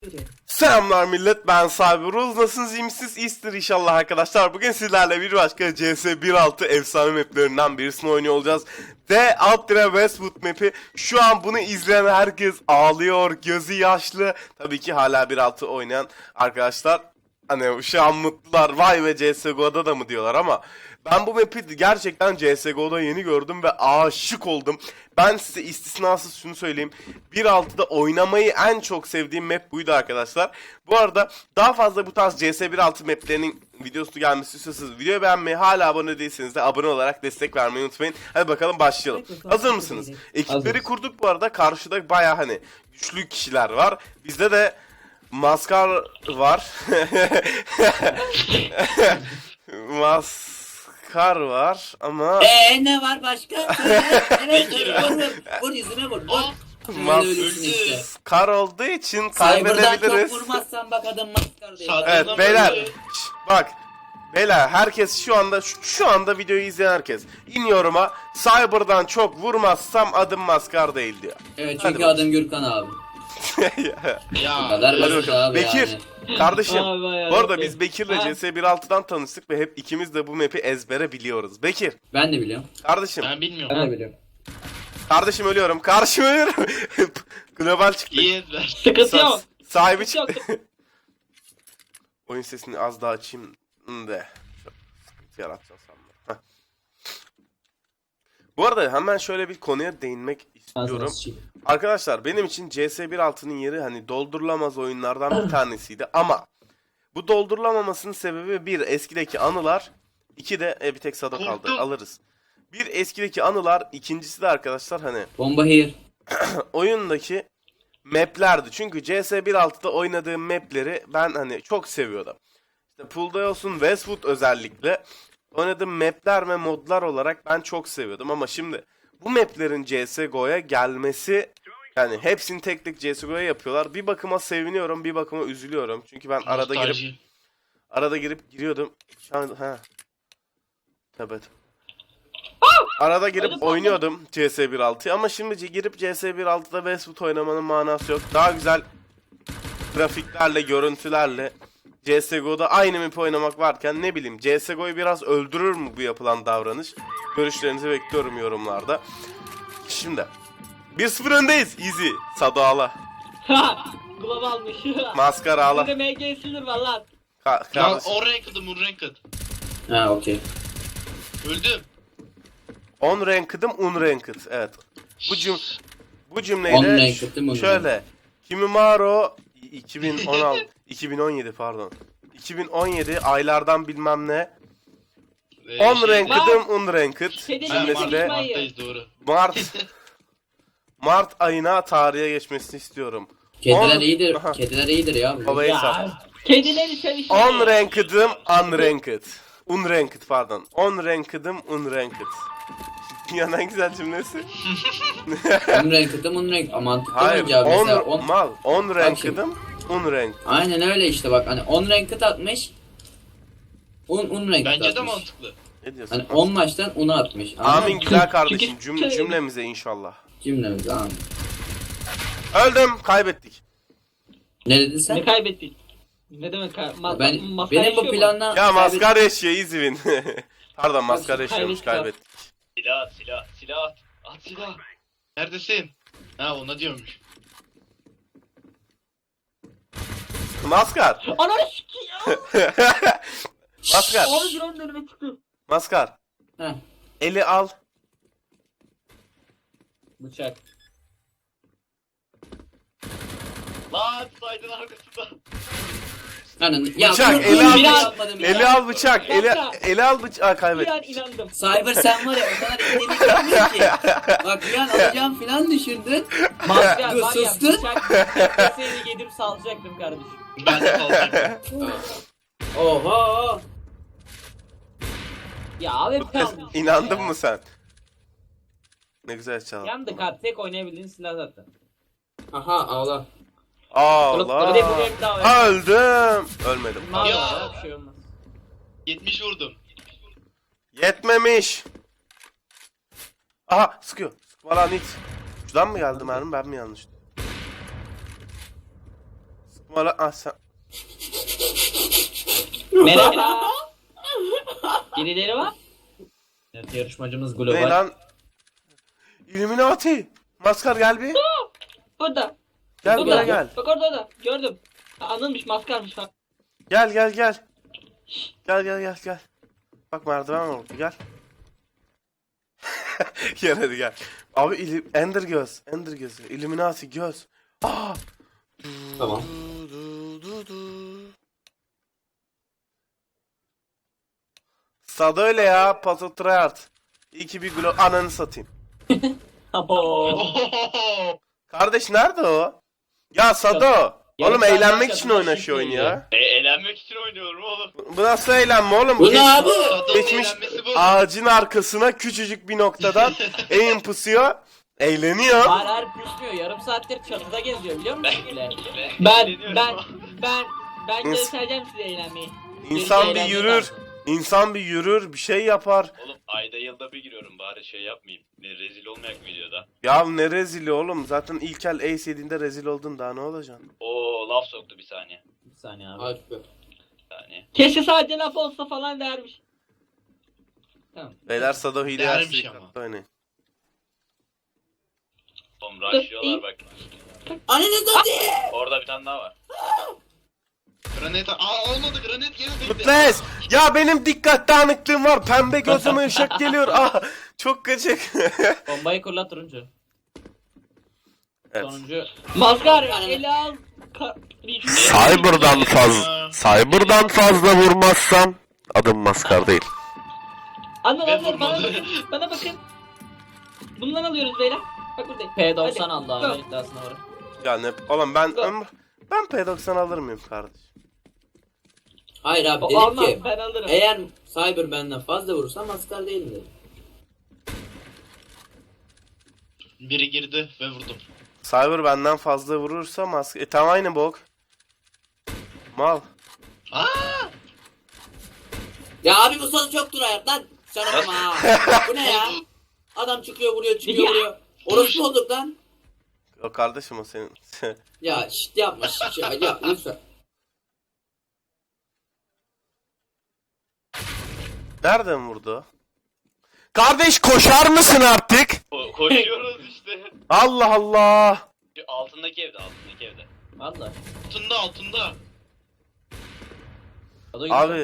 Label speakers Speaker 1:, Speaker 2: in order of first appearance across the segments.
Speaker 1: Selamlar millet, ben Cyberuz. Nasılsınız, iyi misiniz? İyisinizdir inşallah arkadaşlar. Bugün sizlerle bir başka CS 1.6 efsane maplerinden birisini oynuyor olacağız. The Ultra Westwood map'i. Şu an bunu izleyen herkes ağlıyor, gözü yaşlı. Tabii ki hala 1.6 oynayan arkadaşlar hani şu an mutlular. Vay be, CSGO'da da mı diyorlar ama ben bu map'i gerçekten CSGO'da yeni gördüm ve aşık oldum. Ben size istisnasız şunu söyleyeyim. 1.6'da oynamayı en çok sevdiğim map buydu arkadaşlar. Bu arada daha fazla bu tarz CS 1.6 maplerinin videosu gelmesi istiyorsanız videoyu beğenmeyi, hala abone değilseniz de abone olarak destek vermeyi unutmayın. Hadi bakalım başlayalım. Hazır mısınız? Ekipleri kurduk bu arada. Karşıda baya hani güçlü kişiler var. Bizde de Maskar var. Maskar var ama
Speaker 2: Ne var başka? Evet, vur yüzüme vur.
Speaker 1: Maskar olduğu için
Speaker 2: Cyber'dan
Speaker 1: kaybedebiliriz.
Speaker 2: çok vurmazsan bak adam maskar değil.
Speaker 1: Evet beyler, bak beyler, herkes şu anda videoyu izleyen herkes iniyorum'a Cyber'dan çok vurmazsam adım Maskar değil diyor.
Speaker 2: Evet,
Speaker 1: Hadi
Speaker 2: çünkü adım Gürkan abi.
Speaker 3: Ya.
Speaker 2: Bu kadar
Speaker 1: Hadi
Speaker 2: basit
Speaker 1: bakalım.
Speaker 2: abi
Speaker 1: Bekir,
Speaker 2: yani.
Speaker 1: kardeşim.
Speaker 4: Abi,
Speaker 1: Bu arada biz Bekir'le CS 1.6'dan tanıştık ve hep ikimiz de bu map'i ezbere biliyoruz. Bekir,
Speaker 2: Ben de biliyorum.
Speaker 1: kardeşim.
Speaker 3: Ben bilmiyorum.
Speaker 2: Ben de biliyorum.
Speaker 1: Kardeşim ölüyorum. Kardeşim ölüyorum. Global çıktı.
Speaker 3: İyi ezber.
Speaker 4: Sıkıntı yok.
Speaker 1: Sahibi
Speaker 4: Sıkıntı
Speaker 1: çıktı. Oyun sesini az daha açayım de. Sıkıntı yaratacağız sandım. Heh. Bu arada hemen şöyle bir konuya değinmek istiyorum. Arkadaşlar benim için CS 1.6'nın yeri hani doldurulamaz oyunlardan bir tanesiydi ama bu doldurulamamasının sebebi bir, eskideki anılar, iki de bir tek Sado kaldı,
Speaker 3: Korktum.
Speaker 1: alırız. Bir, eskideki anılar, ikincisi de arkadaşlar hani
Speaker 2: Bomba here.
Speaker 1: oyundaki maplerdi. Çünkü CS 1.6'da oynadığım mapleri ben hani çok seviyordum. İşte Pool'da olsun, Westwood özellikle oynadığım mapler ve modlar olarak ben çok seviyordum ama şimdi bu maplerin CSGO'ya gelmesi, yani hepsini tek tek CSGO'ya yapıyorlar. Bir bakıma seviniyorum, bir bakıma üzülüyorum. Çünkü ben arada girip giriyordum. Şu an evet. Arada girip oynuyordum CS 1.6'yı ama şimdi girip CS 1.6'da Westwood oynamanın manası yok. Daha güzel grafiklerle, görüntülerle CSGO'da aynı map oynamak varken ne bileyim CSGO'yu biraz öldürür mü bu yapılan davranış? Görüşlerinizi bekliyorum yorumlarda. Şimdi 1-0 öndeyiz. Easy. Sado ağla.
Speaker 4: Ha! Glove almış.
Speaker 1: Maskar ağla.
Speaker 4: Bizde MG sinir var lan.
Speaker 3: Lan
Speaker 1: Kardeşim.
Speaker 3: o ranked'ım, o ranked.
Speaker 2: Ha, okey.
Speaker 3: Öldüm.
Speaker 1: On ranked'ım, unranked. Evet. Bu
Speaker 2: On
Speaker 1: cümleyle
Speaker 2: ranked'ım, un
Speaker 1: şöyle. Kimimaro 2016 2017 pardon. 2017 aylardan bilmem ne. On ranked'ım, unranked
Speaker 4: Kedileri
Speaker 1: cümlesiyle
Speaker 4: konuşmayın.
Speaker 3: Doğru.
Speaker 1: Mart ayına tarihe geçmesini istiyorum.
Speaker 2: Kediler
Speaker 1: On-
Speaker 2: iyidir.
Speaker 1: Aha.
Speaker 2: Kediler iyidir ya.
Speaker 1: Babayı sar.
Speaker 4: Ya. Kedileri sevişmeyin.
Speaker 1: On ranked'ım, unranked. Unranked pardon. On ranked'ım, unranked. Dünyanın en güzel cümlesi.
Speaker 2: Un ranked'ım un rank. Mantıklı
Speaker 1: Hayır,
Speaker 2: bence abi. Mesela on...
Speaker 1: on ranked'ım, unranked.
Speaker 2: Aynen öyle işte bak. Hani 10 ranked atmış. Un ranked
Speaker 3: Bence de
Speaker 2: atmış.
Speaker 3: mantıklı.
Speaker 1: Ne diyorsun?
Speaker 2: Hani 10 maçtan 10'a atmış. Anladın
Speaker 1: Amin
Speaker 2: mı?
Speaker 1: güzel kardeşim.
Speaker 4: Çünkü-
Speaker 1: Cümlemize inşallah.
Speaker 2: Cümlemiz amin.
Speaker 1: Öldüm, kaybettik.
Speaker 2: Ne dedin sen?
Speaker 4: Ne kaybettik? Ne demek
Speaker 2: Ben,
Speaker 4: maskar
Speaker 2: benim
Speaker 4: yaşıyor
Speaker 2: bu
Speaker 4: mu?
Speaker 2: planla...
Speaker 1: Ya maskar yaşıyor, easy win. Pardon, maskar
Speaker 4: Kaybettik
Speaker 1: yaşıyormuş,
Speaker 4: abi.
Speaker 1: kaybettik.
Speaker 3: Silah at. At silah. Neredesin? Ha, ona diyormuş.
Speaker 1: Maskar.
Speaker 4: Ananı sikiyim.
Speaker 1: Maskar.
Speaker 4: Abi drone önüme çıktı.
Speaker 1: Maskar.
Speaker 2: Heh,
Speaker 1: Eli al.
Speaker 2: bıçak.
Speaker 3: Lan saydın arkasında.
Speaker 2: Hani, ya
Speaker 1: Bıçak,
Speaker 2: bunu-
Speaker 1: eli
Speaker 2: bunu
Speaker 1: al
Speaker 2: bile
Speaker 1: bıçak.
Speaker 2: yapmadım ya.
Speaker 1: Eli al bıçak. Eli al bıçak.
Speaker 4: Bir
Speaker 1: Kaybettik.
Speaker 4: an inandım.
Speaker 2: Cyber sen var ya o kadar eğlenceli yapmıyor ki. Bak bir an alacağım filan düşündün.
Speaker 4: Maskar
Speaker 2: Dur,
Speaker 4: var ya
Speaker 2: sustun.
Speaker 4: bıçak seni yedim salacaktım kardeşim.
Speaker 3: Ben de kaldım.
Speaker 2: Oho.
Speaker 4: Ya abi
Speaker 1: İnandın mı sen? Ne güzel çaldın.
Speaker 4: Yandık abi, tek oynayabildiğin silah zaten.
Speaker 2: Aha ağla.
Speaker 4: Bir de bu
Speaker 1: Allah.
Speaker 4: renk daha var.
Speaker 1: Öldüm. Ölmedim.
Speaker 4: Bunlar
Speaker 3: Ya.
Speaker 4: da var, bir şey olmaz.
Speaker 3: 70 vurdum.
Speaker 1: Yetmemiş. Aha, sıkıyor. Sıkma lan hiç. Şuradan mı geldi mermi, ben mi yanlış? Numara ah sen.
Speaker 4: Merhaba. Birileri var. Evet, yarışmacımız
Speaker 1: Ne
Speaker 4: global.
Speaker 1: lan? Illuminati. Maskar gel bir.
Speaker 4: Burada.
Speaker 1: Gel
Speaker 4: Burada.
Speaker 1: buraya gel.
Speaker 4: Bak orada da. Gördüm. Ha, anılmış maskarmış ha.
Speaker 1: Gel gel gel. Gel. Bak merdiven var orada gel. Gel hadi gel. Abi Ender göz. Ender gözü. Illuminati göz. Aa!
Speaker 2: Tamam.
Speaker 1: Sada öyle ya. Pato Tryhard. İyi ki bir ananı satayım.
Speaker 4: Abo.
Speaker 1: Kardeş nerede o? Ya Sado.
Speaker 4: Yarın
Speaker 1: Oğlum
Speaker 4: saat
Speaker 1: eğlenmek
Speaker 4: başka
Speaker 1: için
Speaker 4: bir
Speaker 1: oyna
Speaker 4: şey
Speaker 1: şu oyunu
Speaker 4: değil
Speaker 1: ya.
Speaker 3: Eğlenmek için oynuyorum oğlum.
Speaker 1: Bu nasıl eğlenme oğlum?
Speaker 2: Bu ne
Speaker 1: Geç-
Speaker 2: abi?
Speaker 1: Geçmiş
Speaker 3: Eğlenmesi bu.
Speaker 1: ağacın arkasına küçücük bir noktadan aim pusuyor. Eğleniyor.
Speaker 4: Har püşmüyor. Yarım saattir çatıda geziyor biliyor musun? Ben
Speaker 1: Ins-
Speaker 4: göstereceğim size eğlenmeyi.
Speaker 1: İnsan bir
Speaker 4: Eğlenmeyi
Speaker 1: yürür.
Speaker 4: lazım.
Speaker 1: İnsan bir yürür, bir şey yapar.
Speaker 3: Oğlum ayda yılda bir giriyorum bari şey yapmayayım. Ne rezil olmayak videoda.
Speaker 1: Ya ne rezili oğlum? Zaten ilk el ace yediğinde rezil oldun, daha ne olacaksın?
Speaker 3: Oo laf soktu bir saniye.
Speaker 4: Bir saniye abi.
Speaker 2: Hadi be.
Speaker 3: Bir saniye.
Speaker 4: Keşke sadece laf olsa falan dermiş. Tamam.
Speaker 1: Beyler Sado hile
Speaker 3: Değermiş
Speaker 1: yerse
Speaker 3: ama.
Speaker 1: dikkatli oynayın.
Speaker 3: Oğlum rushlıyorlar bak.
Speaker 2: Ananı satayım.
Speaker 3: Orada bir tane daha var. Granit olmadı granit geldi.
Speaker 1: Mutles! Ya benim dikkat dağınıklığım var. Pembe gözüme ışık geliyor. Ah! Çok gıcık.
Speaker 4: Bombayı kurla turuncu.
Speaker 1: Evet.
Speaker 4: Sonuncu. Maskar eli al.
Speaker 1: Cyber'dan fazla vurmazsam adım Maskar değil.
Speaker 4: Anladın
Speaker 3: Ben
Speaker 4: anladın bana
Speaker 3: vurmadım.
Speaker 4: bakın. Bana bakın. Bundan alıyoruz beyler. Bak buradayım. P90 aldı abi iddiasına varım.
Speaker 1: Ya ne oğlum ben P90 alır mıyım kardeş?
Speaker 2: Hayır abi
Speaker 4: O
Speaker 2: dedim
Speaker 4: almam
Speaker 2: ki
Speaker 4: ben alırım.
Speaker 2: eğer Cyber benden fazla vurursa maskar değilim dedim.
Speaker 3: Biri girdi ve vurdum.
Speaker 1: Cyber benden fazla vurursa maske... tam aynı bok. Mal.
Speaker 3: Aa!
Speaker 2: Ya abi bu sonu çok durayat lan. Sana bakma ha. Bu ne ya? Adam çıkıyor vuruyor çıkıyor
Speaker 4: Ya.
Speaker 2: vuruyor. Orası olduk lan.
Speaker 1: O kardeşim o senin.
Speaker 2: Ya şit yapma şit ya lütfen.
Speaker 1: Nereden vurdu o? Kardeş koşar mısın artık?
Speaker 3: Koşuyoruz işte.
Speaker 1: Allah Allah.
Speaker 3: Şu altındaki evde.
Speaker 4: Valla.
Speaker 3: Altında.
Speaker 1: Abi.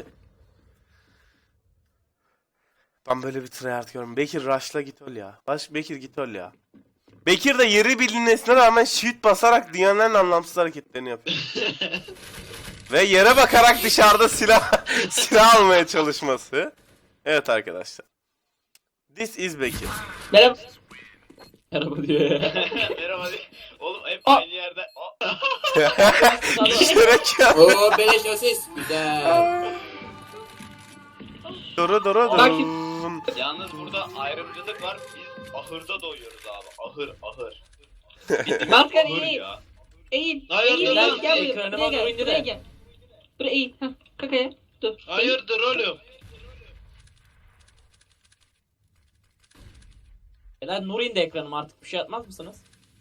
Speaker 1: Ben böyle bir tryhard görüyorum. Bekir rush'la git ol ya. Bekir git ol ya. Bekir de yeri bilinmesine rağmen shift basarak dünyanın en anlamsız hareketlerini yapıyor. Ve yere bakarak dışarıda silah almaya çalışması. Evet arkadaşlar. This is Bekir.
Speaker 4: Merhaba. Merhaba diyor ya.
Speaker 3: Merhaba. Oğlum hep
Speaker 4: Aa.
Speaker 3: aynı yerde.
Speaker 1: İşlerek ya.
Speaker 2: Oo beleş asist. Güzel.
Speaker 1: Duru.
Speaker 4: Bak
Speaker 3: Yalnız burada ayrımcılık var. Biz ahırda doyuyoruz abi. Ahır.
Speaker 4: Maskar
Speaker 3: Ahır
Speaker 4: eğil.
Speaker 3: ya.
Speaker 4: Eğil.
Speaker 3: Hayır,
Speaker 4: Eğil.
Speaker 3: dur,
Speaker 4: Gel
Speaker 3: dur.
Speaker 4: buraya.
Speaker 3: Ekranıma
Speaker 4: Buraya
Speaker 3: doğru
Speaker 4: gel.
Speaker 3: indir
Speaker 4: Buraya
Speaker 3: de.
Speaker 4: gel. Buraya eğil. Hah. Kakaya. Dur. Eğil.
Speaker 3: Hayırdır oğlum?
Speaker 4: Beyler Nur indi ekranıma artık bir şey atmaz mısınız?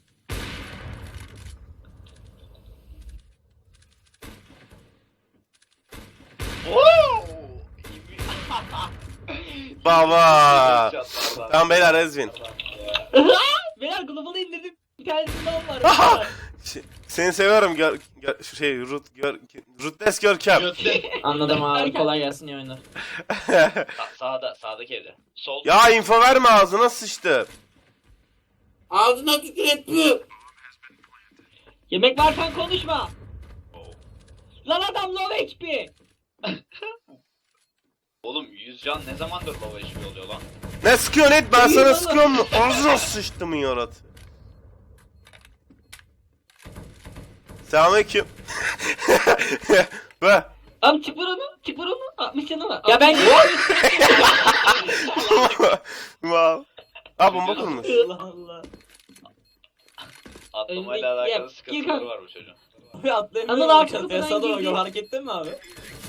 Speaker 1: Baba. Tamam beyler Ezvin.
Speaker 4: Beyler global'ı indirdim. Bir tanesinde var.
Speaker 1: Seni seviyorum Rutles Görkem.
Speaker 4: Anladım abi. Kolay gelsin iyi oyunlar.
Speaker 3: Sağdaki evde. Sol.
Speaker 1: Ya info verme ağzına sıçtı.
Speaker 2: Ağzına tükür
Speaker 4: Yemek varken konuşma. Lan adam low HP.
Speaker 3: Oğlum 100 can ne zamandır baba HP oluyor lan?
Speaker 1: Ne sıkıyorsun et ben sana sıkıyorum mu? Ağzına sıçtı mı yarat? Selamünaleyküm. Be.
Speaker 4: Abi çık vur onu. Çık vur onu. 60 canı var. Ya ben
Speaker 1: Wow. Aa bomba kurmuş.
Speaker 4: Allah Allah.
Speaker 3: Atlamayla
Speaker 4: Önündeki-
Speaker 3: alakalı
Speaker 4: ya,
Speaker 3: sıkıntıları
Speaker 4: Gürkan.
Speaker 3: var bu çocuğun.
Speaker 4: Abi atlayın.
Speaker 5: Anıl
Speaker 4: Anıl
Speaker 5: arkadan girdi.
Speaker 4: fark ettin mi abi?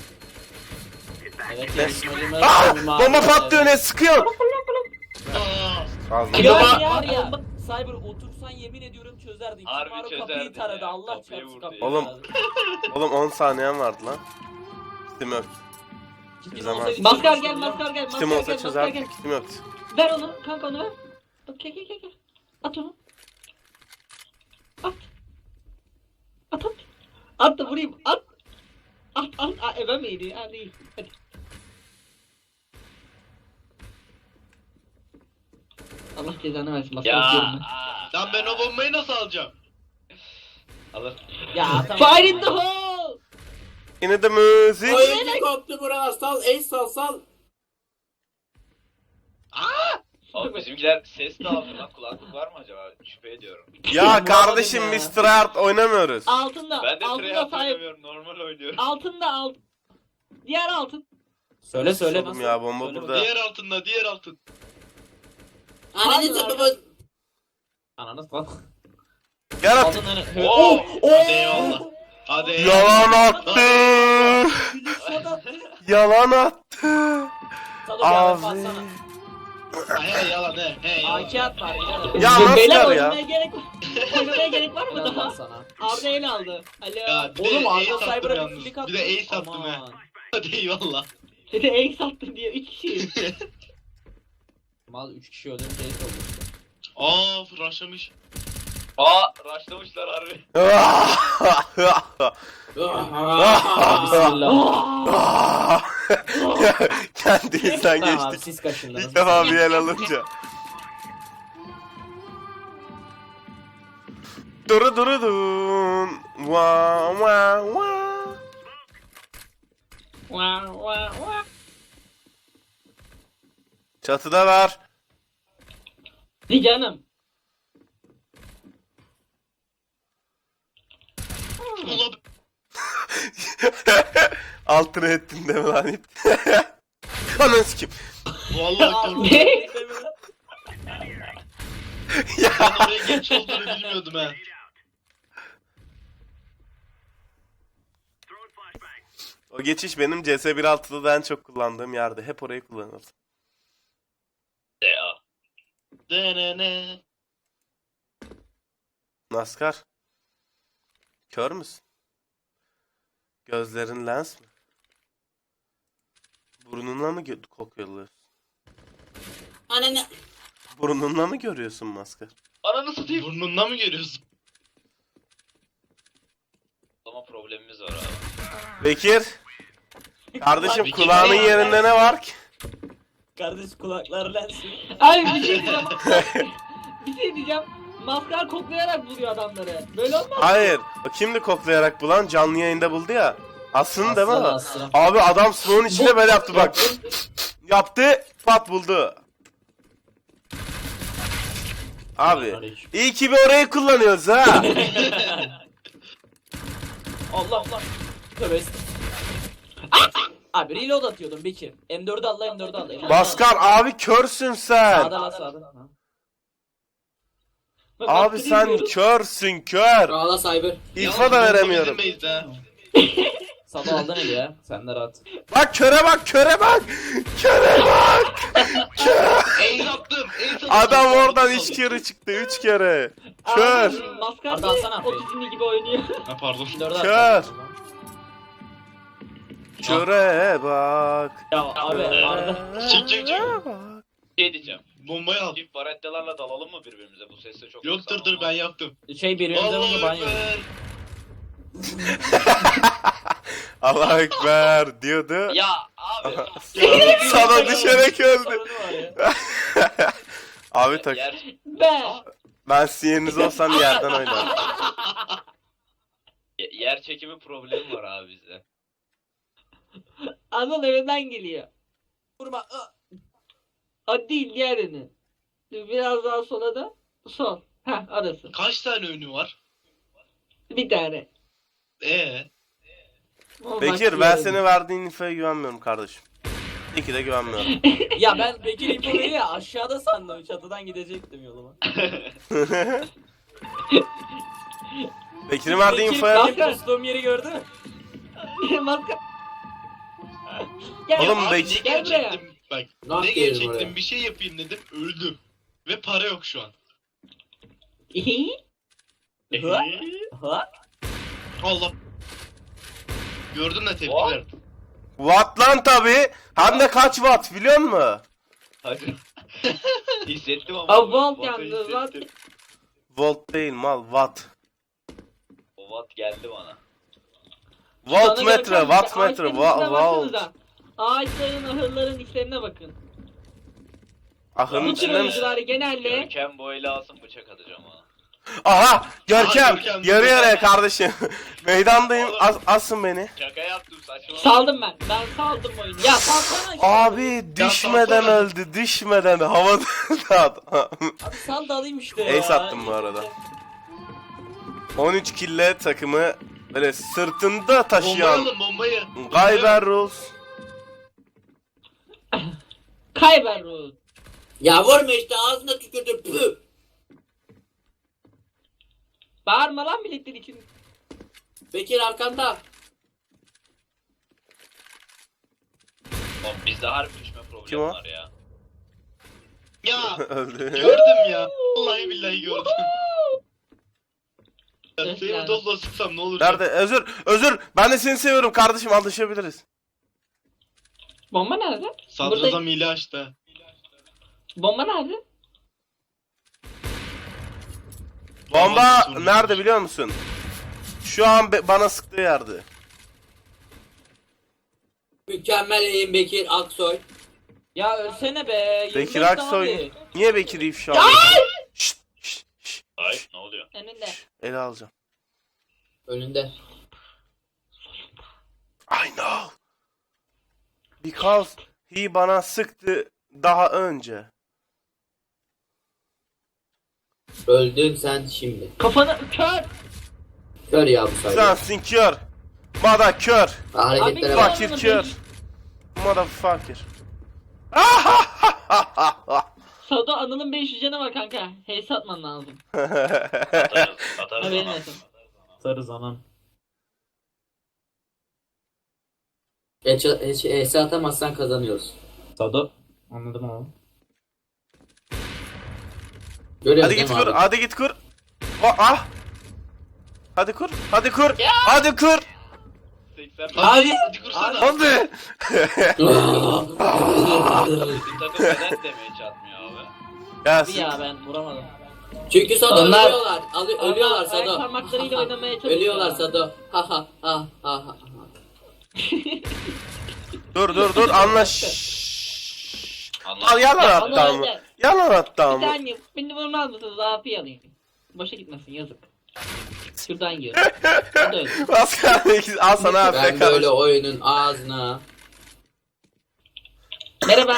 Speaker 4: Evet
Speaker 1: Ne?
Speaker 4: yarışmacımız.
Speaker 1: Aa,
Speaker 4: bir mavi-
Speaker 1: bomba patlıyor ne sıkıyor?
Speaker 3: Aa!
Speaker 1: Ağzına.
Speaker 4: Ya
Speaker 5: Ya,
Speaker 4: ya
Speaker 5: var ya,
Speaker 4: bomba- Cyber otursan yemin ediyorum çözerdin.
Speaker 3: Harbi
Speaker 4: Kimaro
Speaker 3: çözerdin
Speaker 4: kapıyı taradı.
Speaker 3: ya.
Speaker 4: Allah
Speaker 3: Kapıyı
Speaker 4: çarpsın
Speaker 3: vurdu
Speaker 4: kapıyı
Speaker 3: ya.
Speaker 1: Oğlum,
Speaker 4: taradı.
Speaker 1: Oğlum 10 saniyen vardı lan. Kitim yok.
Speaker 4: Ciddi
Speaker 1: zaman-
Speaker 4: olsaydı
Speaker 2: Maskar
Speaker 4: çözmüştüm
Speaker 2: gel,
Speaker 4: ya.
Speaker 2: maskar gel,
Speaker 1: Kitim
Speaker 2: maskar
Speaker 1: olsa
Speaker 2: gel, maskar
Speaker 1: çözerdim.
Speaker 2: gel.
Speaker 1: Kitim yoktu.
Speaker 2: Ver onu, kanka onu ver. Bak gel. At onu. At. At. At da vurayım, at. At, eve miydi? Ha değil. Hadi. Allah cezanı versin, maskar
Speaker 3: Ya.
Speaker 2: diyorum ben.
Speaker 5: Lan ben o bombayı nasıl alacağım?
Speaker 3: Alır.
Speaker 4: Ya tamam.
Speaker 2: Fire in the hole!
Speaker 1: Yine de müzik.
Speaker 2: Oyuncu koptu bura, sal, ace sal.
Speaker 3: Oğlum bizimkiler ses de aldı lan. Kulaklık var mı acaba? Şüphe ediyorum.
Speaker 1: Ya kardeşim
Speaker 4: ya.
Speaker 1: biz tryhard oynamıyoruz.
Speaker 2: Altında,
Speaker 3: Ben de
Speaker 2: altında
Speaker 3: treyarch
Speaker 2: sahip.
Speaker 3: oynamıyorum. Normal oynuyorum.
Speaker 2: Altında. Diğer altın.
Speaker 4: Söyle söyle
Speaker 1: Oğlum
Speaker 4: nasıl?
Speaker 1: ya, bomba
Speaker 4: Söyle
Speaker 1: burada.
Speaker 4: bakayım.
Speaker 5: Diğer altın.
Speaker 2: Ananı sapı.
Speaker 4: Ananı bak.
Speaker 1: Gel at.
Speaker 4: Aldın hani.
Speaker 3: Oo!
Speaker 5: Hadi eyvallah. Hadi eyvallah.
Speaker 1: Yalan attı. Yalan attı.
Speaker 4: Sado bir
Speaker 1: Abi.
Speaker 4: baksana.
Speaker 5: He yalan he yalan.
Speaker 4: AK at var.
Speaker 1: Ya
Speaker 2: Beyler
Speaker 1: maskar ya.
Speaker 2: oynamaya gerek var mı
Speaker 4: Helal
Speaker 2: daha?
Speaker 4: sana.
Speaker 2: Arda el aldı. Alo.
Speaker 5: Ya bir
Speaker 4: Oğlum
Speaker 5: de
Speaker 4: Arda
Speaker 5: ace attım
Speaker 4: Cyber'a bir
Speaker 5: yalnız.
Speaker 4: flick attı.
Speaker 5: Bir de ace attım he.
Speaker 4: Aman.
Speaker 5: Hadi eyvallah.
Speaker 2: Seni ace attım diye 3 kişiyiz.
Speaker 4: Mal 3 kişi öldüm case oldu işte.
Speaker 5: Aa rushlamış.
Speaker 3: Aa! Rushlamışlar harbi.
Speaker 4: Bismillah.
Speaker 1: Kendinizden
Speaker 4: Tamam abi
Speaker 1: geçtik.
Speaker 4: siz kaşındınız.
Speaker 1: İlk defa bir el alınca. Dun. Wa. Çatıda var.
Speaker 2: Di canım.
Speaker 5: Ulan
Speaker 1: Altına ettin deme lan ip. Ananı sikim.
Speaker 5: vallahi korktum.
Speaker 2: Ne?
Speaker 5: Ben oraya geç olduğunu bilmiyordum he.
Speaker 1: O geçiş benim CS 1.6'da da en çok kullandığım yerde. Hep orayı kullanırdım.
Speaker 3: Ya.
Speaker 5: Denene.
Speaker 1: Naskar. Kör müsün? Gözlerin lens mi? Burnunla mı kokuyorsun?
Speaker 2: Ananı.
Speaker 1: Burnunla mı görüyorsun maskar?
Speaker 3: Ananı satayım.
Speaker 5: Burnunla mı görüyorsun?
Speaker 3: O zaman problemimiz var abi.
Speaker 1: Bekir. Kardeşim
Speaker 5: Bekir
Speaker 1: kulağının
Speaker 5: Bey.
Speaker 1: yerinde ne var ki?
Speaker 4: Kardeş kulaklar lensi.
Speaker 2: Abi bir şey diyeceğim. Bir şey diyeceğim. Maskar koklayarak buluyor adamları. Böyle olmaz.
Speaker 1: Hayır. O kimdi koklayarak bulan? Canlı yayında buldu ya. Aslında değil mi?
Speaker 4: Aslan.
Speaker 1: Abi adam smoke'un içinde böyle yaptı bak. Yaptı. Pat buldu. Abi. İyi ki bir orayı kullanıyoruz ha.
Speaker 4: Allah Allah. Tövbe estağfurullah. Abi reload atıyordum Bekir. M4'ü al la M4'ü al. M4'ü
Speaker 1: Baskar abi körsün sen.
Speaker 4: Sağda la sağda. Ha.
Speaker 2: Bak,
Speaker 1: Abi
Speaker 2: bak,
Speaker 1: sen
Speaker 2: diyoruz.
Speaker 1: körsün kör.
Speaker 2: Ağla cyber.
Speaker 1: İfa da veremiyorum.
Speaker 5: Bizim base'de ha.
Speaker 4: Sado aldın eli ya. Sen de rahat.
Speaker 1: Bak köre bak köre bak. Köre bak.
Speaker 5: Ace attım. Ace attım.
Speaker 1: Adam oradan 3 kere çıktı 3 kere. Kör.
Speaker 2: Abi, Maskar
Speaker 4: Arda
Speaker 2: niye
Speaker 4: alsana.
Speaker 2: otizmli gibi oynuyor?
Speaker 5: Ha pardon.
Speaker 4: M4'ü
Speaker 1: Kör.
Speaker 4: at.
Speaker 1: Köre bak.
Speaker 4: Ya abi Arda.
Speaker 5: Çık.
Speaker 1: bak.
Speaker 3: Şey diyeceğim.
Speaker 5: Bombayı al.
Speaker 3: Çift barettelerle dalalım mı birbirimize? Bu sesle çok
Speaker 5: Yoktur dur ben yaptım.
Speaker 4: Şey birbirimize vurdu
Speaker 5: Allah
Speaker 4: banyo.
Speaker 5: ekber.
Speaker 1: Allah ekber diyordu.
Speaker 3: Ya abi.
Speaker 1: Sana düşerek öldü.
Speaker 4: Sorunu var ya.
Speaker 1: Abi tak.
Speaker 2: Ben.
Speaker 1: Ben sizin yerinizde olsam yerden oynarım.
Speaker 3: Yer çekimi problemi var abi bizde.
Speaker 2: Anıl evinden geliyor.
Speaker 4: Vurma.
Speaker 2: O değil diğerini. Biraz daha sola da. Sol. Heh arası.
Speaker 5: Kaç tane önü var?
Speaker 2: Bir tane. O
Speaker 1: Bekir
Speaker 2: bak
Speaker 1: ben
Speaker 2: diğerini.
Speaker 1: senin verdiğin infoya güvenmiyorum kardeşim. İyi ki de güvenmiyorum.
Speaker 4: Ya ben Bekir info veriyor ya aşağıda sandım çatıdan gidecektim yoluma.
Speaker 1: Bekir'in verdiği infoya...
Speaker 2: Bekir-
Speaker 4: Benim postuğum yeri gördü mü?
Speaker 2: Maskar. Gel.
Speaker 1: Oğlum,
Speaker 5: Abi
Speaker 1: Bekir-
Speaker 5: ne
Speaker 2: Gel buraya.
Speaker 5: gerçektim bak.
Speaker 2: Ne
Speaker 5: Ne
Speaker 2: yapıyoruz
Speaker 5: gerçektim
Speaker 2: buraya?
Speaker 5: bir şey yapayım dedim öldüm. Ve para yok şu an.
Speaker 4: Ha?
Speaker 5: Allah. Gördün mü tepki
Speaker 3: What?
Speaker 5: verdim.
Speaker 1: Watt lan tabi. Hem de kaç watt biliyor musun?
Speaker 3: Hadi. Hissettim ama.
Speaker 2: Aa, volt
Speaker 3: Watt'ı
Speaker 2: yalnız, watt.
Speaker 3: hissettim.
Speaker 1: Volt değil mal watt.
Speaker 3: O watt geldi bana.
Speaker 1: Voltmetre, wattmetre, volt.
Speaker 2: Baksanıza. Ağaçların, ahırların içlerine bakın.
Speaker 1: Ahırın
Speaker 2: Bu tür
Speaker 1: içinde misin?
Speaker 2: oyuncular genelde
Speaker 3: Görkem bu eli alsın bıçak atacağım ona.
Speaker 1: Aha! Görkem!
Speaker 5: Aha, Görkem.
Speaker 1: Yarı yarıya kardeşim. Meydandayım. Asın beni.
Speaker 3: Şaka yaptım saçma.
Speaker 2: saldım ben. Ben saldım oyunu. Ya salsana.
Speaker 1: Abi düşmeden
Speaker 5: kalsana.
Speaker 1: öldü. Düşmeden havada.
Speaker 4: Abi sal da alayım işte ya.
Speaker 1: Ace attım bu arada. 13 kille takımı böyle sırtında
Speaker 5: Bombayı
Speaker 1: taşıyan
Speaker 5: alın bombayı.
Speaker 1: Gayber Rules.
Speaker 2: Kayber Ruh.
Speaker 4: Ya vurma işte ağzına tükürdüm. Püh.
Speaker 2: Bağırma lan milletler için.
Speaker 4: Bekir arkanda.
Speaker 3: Oğlum bizde harbi düşme
Speaker 1: Kim
Speaker 3: problemi
Speaker 1: o?
Speaker 3: var ya.
Speaker 5: Ya
Speaker 1: Öldü.
Speaker 5: gördüm ya. Vallahi billahi gördüm. Ya,
Speaker 2: Evet,
Speaker 5: seni
Speaker 2: yani.
Speaker 5: dozla sıksam ne olur?
Speaker 1: Nerede? Özür. Ben de seni seviyorum kardeşim. Anlaşabiliriz.
Speaker 2: Bomba nerede?
Speaker 5: Sadrazam hile açtı.
Speaker 2: Bomba nerede?
Speaker 1: Bomba
Speaker 5: Sorun
Speaker 1: nerede
Speaker 5: yok.
Speaker 1: biliyor musun? Şu an bana sıktığı yerde.
Speaker 4: Mükemmel eğim Bekir Aksoy.
Speaker 2: Ya ölsene be.
Speaker 1: Bekir
Speaker 2: 25
Speaker 1: Aksoy.
Speaker 2: abi.
Speaker 1: Niye Bekir ifşa alıyorsun? Şşt.
Speaker 3: Ay ne oluyor?
Speaker 2: Önünde.
Speaker 1: Ele alacağım.
Speaker 4: Önünde.
Speaker 1: I know. Because he bana sıktı daha önce.
Speaker 4: Öldün sen şimdi.
Speaker 2: Kafanı kör.
Speaker 4: Kör ya bu sayede.
Speaker 1: Sensin kör. Mada kör.
Speaker 4: Hareketlere
Speaker 2: Abi,
Speaker 4: bak.
Speaker 1: Fakir
Speaker 2: Anladım,
Speaker 1: kör. Motherfucker. Ah!
Speaker 2: Sado Anıl'ın 500 canı var kanka. Heyse atman lazım.
Speaker 3: Atarız
Speaker 2: Haberin
Speaker 3: ama.
Speaker 2: olsun.
Speaker 4: Sarız anam. ES atamazsan kazanıyoruz.
Speaker 6: Sado. Anladım abi.
Speaker 4: Görüyoruz
Speaker 1: Hadi
Speaker 4: değil
Speaker 1: git
Speaker 4: mi
Speaker 1: kur.
Speaker 4: abi?
Speaker 1: Hadi git kur. Ah. Hadi kur. Hadi kur. Hadi kur.
Speaker 3: 80
Speaker 5: Hadi. Hadi kursana.
Speaker 1: Hadi.
Speaker 3: Bizim takım neden demeye çatmıyor abi?
Speaker 1: Gelsin.
Speaker 2: Ya ben vuramadım.
Speaker 4: Çünkü Sado
Speaker 2: Onlar-
Speaker 4: ölüyorlar. Ölüyorlar
Speaker 2: Onlar ayak
Speaker 4: Sado.
Speaker 2: parmaklarıyla oynamaya çalışıyor.
Speaker 4: Ölüyorlar Sado. Ha ha ha ha ha.
Speaker 1: Dur anlaş. Al
Speaker 3: Anladım.
Speaker 1: yalan
Speaker 2: Ya,
Speaker 1: attı ama.
Speaker 2: Anıl,
Speaker 1: Yalan attı
Speaker 2: Bir
Speaker 1: ama.
Speaker 2: saniye. Beni vurmaz mısınız? AP'yi alayım. Boşa gitmesin yazık. Şuradan yiyor. Bu da öyle.
Speaker 1: Pascal al sana abi.
Speaker 4: Ben böyle oyunun ağzına.
Speaker 2: Merhaba.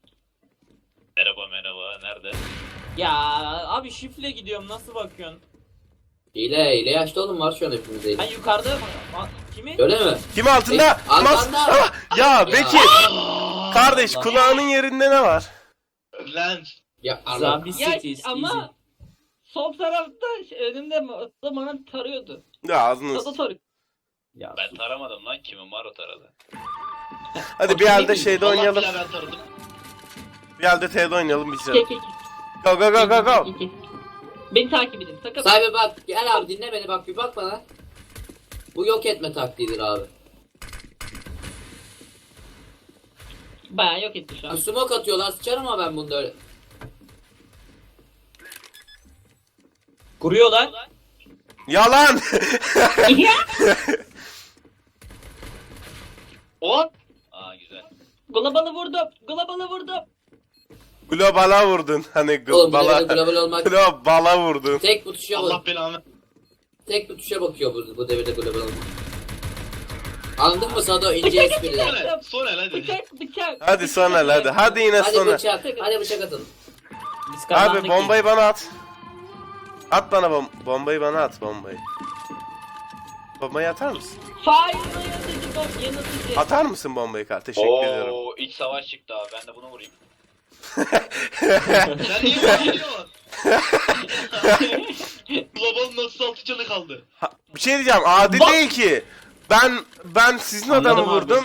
Speaker 3: Merhaba nerede?
Speaker 4: Ya Abi şifle gidiyorum nasıl bakıyorsun? hile yaşlı oğlum var şu an hepimizde. Ay yukarıda mı? Kimi? Öyle mi?
Speaker 1: Kim altında?
Speaker 4: Arkanda.
Speaker 1: Ah! Ya Bekir. Kardeş
Speaker 4: Allah.
Speaker 1: kulağının yerinde ne var?
Speaker 5: Lens.
Speaker 4: Ya Allah.
Speaker 6: Zambi
Speaker 2: Ya
Speaker 6: Cities.
Speaker 2: ama sol tarafta önümde bana tarıyordu.
Speaker 1: Ya ağzını.
Speaker 2: Sado tarıyor.
Speaker 6: Ya
Speaker 3: Ben taramadım lan kimin var o taradı.
Speaker 1: Hadi bir elde şeyde
Speaker 5: Allah
Speaker 1: oynayalım.
Speaker 5: bilir ben taradım.
Speaker 1: Bir elde T'de oynayalım bir
Speaker 2: Ke
Speaker 1: şey.
Speaker 2: ke ke.
Speaker 1: Go go go go go.
Speaker 2: Ke, ke. Beni takip edin. Sakın.
Speaker 4: Sahibi bak gel abi dinle beni bak bir bak bana. Bu yok etme taktiğidir abi.
Speaker 2: Bayağı yok etti şu an.
Speaker 4: Smoke atıyorlar sıçarım ama ben bunda öyle.
Speaker 6: kuruyorlar.
Speaker 1: Yalan.
Speaker 5: Hop.
Speaker 3: Aa güzel.
Speaker 2: Global'ı vurdum. Global'ı vurdum.
Speaker 1: Globala vurdun. Hani
Speaker 4: Oğlum bu
Speaker 1: globala.
Speaker 4: devirde global olmak
Speaker 1: Globala vurdun.
Speaker 4: tek bu tuşa
Speaker 5: Allah
Speaker 4: bak.
Speaker 5: belanı.
Speaker 4: Tek bu tuşa bakıyor bu devirde global olmak. Anladın mı Sado ince espriler.
Speaker 5: Sonra, sonra hadi.
Speaker 2: Bıçak.
Speaker 1: Hadi sonra hadi. Hadi yine
Speaker 4: Hadi
Speaker 1: sonra.
Speaker 4: bıçak. Hadi bıçak atın.
Speaker 6: Biz kazandık
Speaker 1: Abi bombayı bana at. At bana bombayı bana at bombayı. Bombayı atar mısın?
Speaker 2: Fire yanıtıcı. Yanıtıcı.
Speaker 1: Atar mısın bombayı kar? Teşekkür ediyorum.
Speaker 3: Oo iç savaş çıktı abi ben de bunu vurayım.
Speaker 5: Sen niye bakıyorsun? Global nasıl 6 canı kaldı?
Speaker 1: Bir şey diyeceğim. Adil değil ki. Ben sizin adamı vurdum.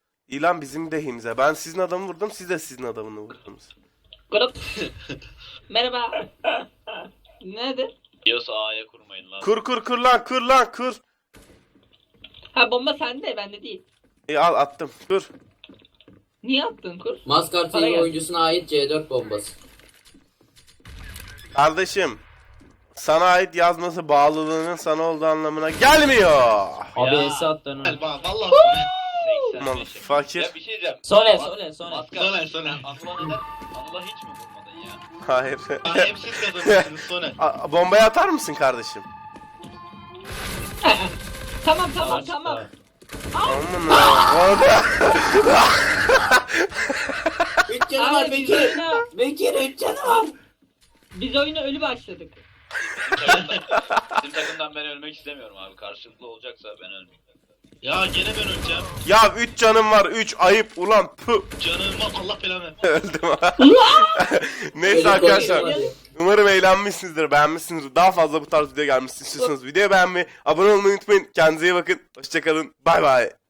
Speaker 1: İlan bizim lehimize. Ben sizin adamı vurdum. Siz de sizin adamını vurdunuz.
Speaker 2: Global. Merhaba. Nedir?
Speaker 3: Diyorsa A'ya kurmayın lan.
Speaker 1: Kur lan kur.
Speaker 2: Ha bomba sende bende değil.
Speaker 1: İyi al attım. Dur.
Speaker 2: Niye attın kur?
Speaker 4: Maskar
Speaker 2: Para
Speaker 4: TV
Speaker 2: geldi.
Speaker 4: oyuncusuna ait C4 bombası.
Speaker 1: Kardeşim. Sana ait yazması bağlılığının sana olduğu anlamına gelmiyor.
Speaker 6: Abi
Speaker 3: Ya.
Speaker 6: Esat attı onu.
Speaker 5: Gel bak vallahi Soner.
Speaker 1: 'Aman fakir.
Speaker 3: Ya bir şey diyeceğim.
Speaker 6: Sole
Speaker 3: Mas-
Speaker 6: sole sole.
Speaker 3: Maskar.
Speaker 5: Soner.
Speaker 3: Anıl'a neden? Anıl'a hiç mi vurmadın ya?
Speaker 1: Hayır.
Speaker 5: Ha, hep siz kazanıyorsunuz Soner.
Speaker 1: Bombayı atar mısın kardeşim?
Speaker 2: Tamam
Speaker 6: Savaş
Speaker 2: tamam.
Speaker 6: çıktı.
Speaker 1: Aman Allah'ım.
Speaker 4: 3 canı var
Speaker 2: Abi biz
Speaker 4: Bekir.
Speaker 2: oyuna,
Speaker 4: Bekir 3 canı var.
Speaker 2: biz oyuna ölü başladık.
Speaker 3: Bizim takımdan ben ölmek istemiyorum abi. Karşılıklı olacaksa ben ölmeyeyim.
Speaker 5: Ya gene ben öleceğim.
Speaker 1: Ya 3 canım var 3 ayıp ulan pı.
Speaker 5: Canıma Allah belanı.
Speaker 1: Öldüm ha. Neyse arkadaşlar. Umarım eğlenmişsinizdir, beğenmişsinizdir. Daha fazla bu tarz video gelmesini istiyorsanız videoyu beğenmeyi, abone olmayı unutmayın. Kendinize iyi bakın. Hoşçakalın. Bay bay.